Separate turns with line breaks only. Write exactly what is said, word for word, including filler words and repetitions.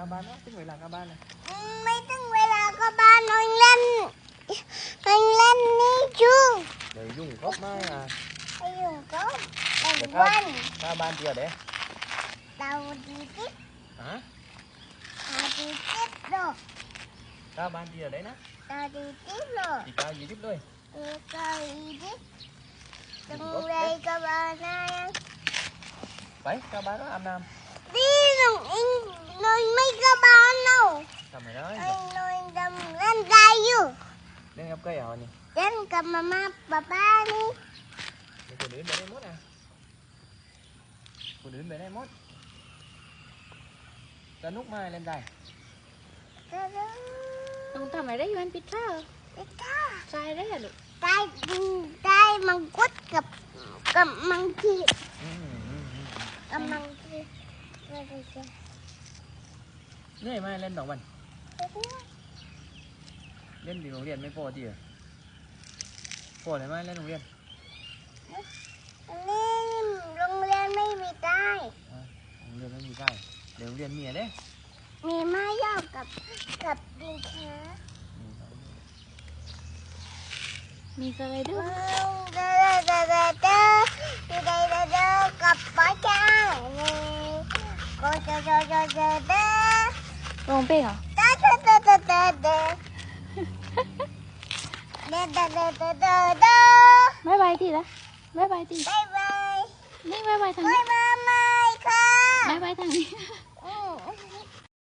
các bạn đó, tínhเวลาcác bạn này.
ไม่ถึงเวลาก็บ้านนอนเล่นนอนเล่นนี่ชู
Để dùng gốc mai à.
ไปอยู่ก็แต่
Để
วัน
các, các bạn chưa đấy.
เราดีจิ๊บ
Hả?
เราดีจิ๊บหรอก
Các bạn chưa đấy nè.
เราดีจิ๊บหรอก
Chỉ cao gì tiếp thôi.
เออก็ดีจิ๊บตรงเลยก็บ้านนั่น
Phải, các bạn đó ăn nam.
ดีหนูอิงนอนไม่ก็บ้านหนู
Sao mày nói?
ไอ้นอนทำเล่นได้อยู่
Lên gặp cây hả nhỉ?
เล่นกับมาม่าป๊าป้านี่
Để cô đến về đây mốt à. Cô đến về đây mốt. Cho nút mai lên đây.
ก็รู้
น้องทำอะไรได้อยู่อันพิซซ่า
ไอ้ข้า
ใช่ได้เหรอลูก
ได้ได้มังคุดกับกับมังคี
Ừ, ừ, ừ.
กับมังคีก็ได้จ้ะ
Này mai lên đồng mình. Lên thì đồng điện mới phô thì à? Phô này mai lên đồng điện.
อันนี้โรงเรียนไม่มีได้
À, đồng điện mới mì cay. Để đồng điện mì ở đấy.
มีไม้ยาวกับกับดินช้า
Ừ.
มีสไลเดอร์
เด้อเด้อเด้อเด้อเด้อเด้อเด้อเด้อกับป้าจ้านี่ก็เด้อเด้อเด้อเด้อเด้อ
ร้องเพลงเหรอ
เด้อเด้อเด้อเด้อเด้อเด้อเด้อเด้อเด้อเด้อเด้อเด้อ
บ๊ายบายทีละบ๊ายบายที
บ๊ายบาย
นี่บ๊ายบายทาง
บ๊า
นี้
ยบายค่ะ
บ๊ายบายทางนี้